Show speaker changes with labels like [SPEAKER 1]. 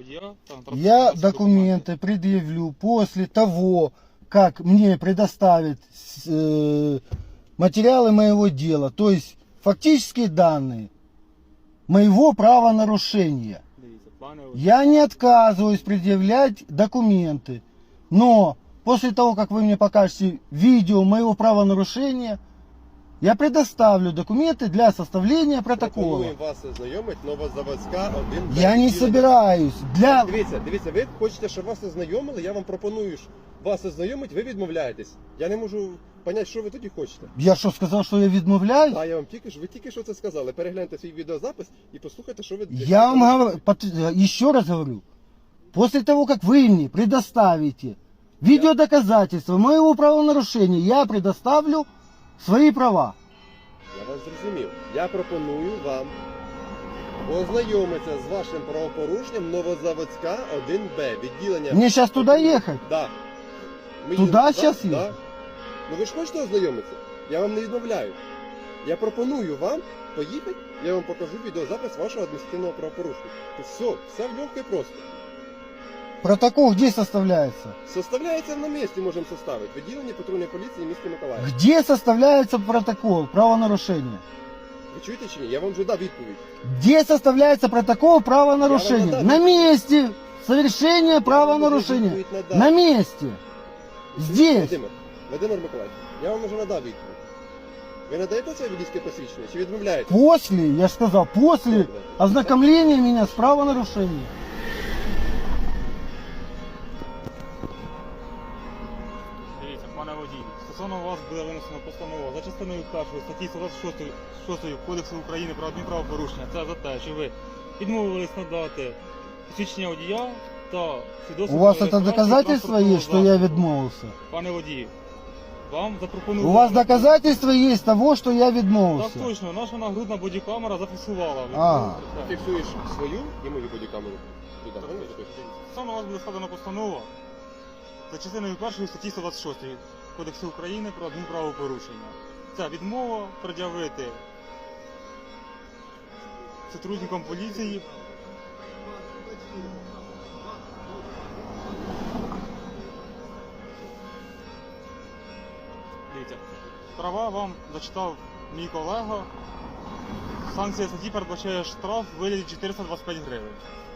[SPEAKER 1] водія та
[SPEAKER 2] Я документы предъявлю после того, как мне предоставят материалы моего дела, то есть фактические данные моего правонарушения.
[SPEAKER 1] Дивіться, пане водій.
[SPEAKER 2] Я не отказываюсь предъявлять документы, но после того, как вы мне покажете видео моего правонарушения, я предоставлю документы для составления протокола.
[SPEAKER 3] Пропонуємо вас ознайомити Новозаводська 1.
[SPEAKER 2] Я не собираюсь. Для...
[SPEAKER 3] Дивіться, ви хочете, щоб вас ознайомили, я вам пропоную вас ознайомити, ви відмовляєтесь. Я не можу зрозуміти, що ви тоді хочете.
[SPEAKER 2] Я что, сказал, что я відмовляюсь?
[SPEAKER 3] А я вам ви тільки що це сказали. Перегляньте свій відеозапис і послухайте, що ви...
[SPEAKER 2] Я вам говорю, еще раз говорю, после того, как вы мне предоставите видеодоказательства моего правонарушения, я предоставлю свои права.
[SPEAKER 3] Я вас зрозумів. Я пропоную вам ознайомитися з вашим правопорушенням Новозаводська 1Б, відділення...
[SPEAKER 2] Мне сейчас туда ехать?
[SPEAKER 3] Да. Ми
[SPEAKER 2] Туда
[SPEAKER 3] їдемо
[SPEAKER 2] щас
[SPEAKER 3] да.
[SPEAKER 2] їхати?
[SPEAKER 3] Ну ви ж хочете ознайомитися? Я вам не відмовляю. Я пропоную вам поїхати, я вам покажу відеозапис вашого адміністративного правопорушення. Все легко і просто.
[SPEAKER 2] Протокол где составляется?
[SPEAKER 3] Составляється на місці, можемо составити. Відділення патрульної поліції міста Миколаїв.
[SPEAKER 2] Где составляется протокол правонарушения?
[SPEAKER 3] Ви чуєте чи ні? Я вам вже дав відповідь.
[SPEAKER 2] Где составляется протокол правонарушения?
[SPEAKER 3] Я вам
[SPEAKER 2] На
[SPEAKER 3] надам.
[SPEAKER 2] месте совершения правонарушения.
[SPEAKER 3] Я вам вже відповідь
[SPEAKER 2] На
[SPEAKER 3] надав.
[SPEAKER 2] месте. Здесь.
[SPEAKER 3] Володимир Миколаївич, я вам вже надав відповідь. Ви надаєте це водійське посвідчення чи відмовляєте?
[SPEAKER 2] После, я же сказал, после ознакомления меня с правонарушением.
[SPEAKER 1] Дивіться, пане водій, стосовно вас буде винесена постанова за частиною 1 статті 126 Кодексу України про адмінправопорушення. Це за те, що ви відмовились надати посвідчення водія та свідоцтво.
[SPEAKER 2] У вас
[SPEAKER 1] про
[SPEAKER 2] это
[SPEAKER 1] реєстрацію
[SPEAKER 2] доказательство
[SPEAKER 1] транспортного
[SPEAKER 2] есть, что я
[SPEAKER 1] засобу.
[SPEAKER 2] відмовился?
[SPEAKER 1] Пане водій, вам запропонували...
[SPEAKER 2] У вас доказательства есть того, что я
[SPEAKER 1] Так
[SPEAKER 2] відмовился?
[SPEAKER 1] точно, наша нагрудна бодікамера зафіксувала.
[SPEAKER 2] Ага.
[SPEAKER 3] Ти фіксуєш свою і мою бодікамеру. Туди,
[SPEAKER 1] Так,
[SPEAKER 3] правильно?
[SPEAKER 1] Саме у вас буде складена постанова за частиною 1 статті 126 Кодексу України про адмінправопорушення. Це відмова пред'явити сотрудникам поліції Дивіться, права вам зачитав мій колега. Санкція статті передбачає штраф у вигляді 425 гривень.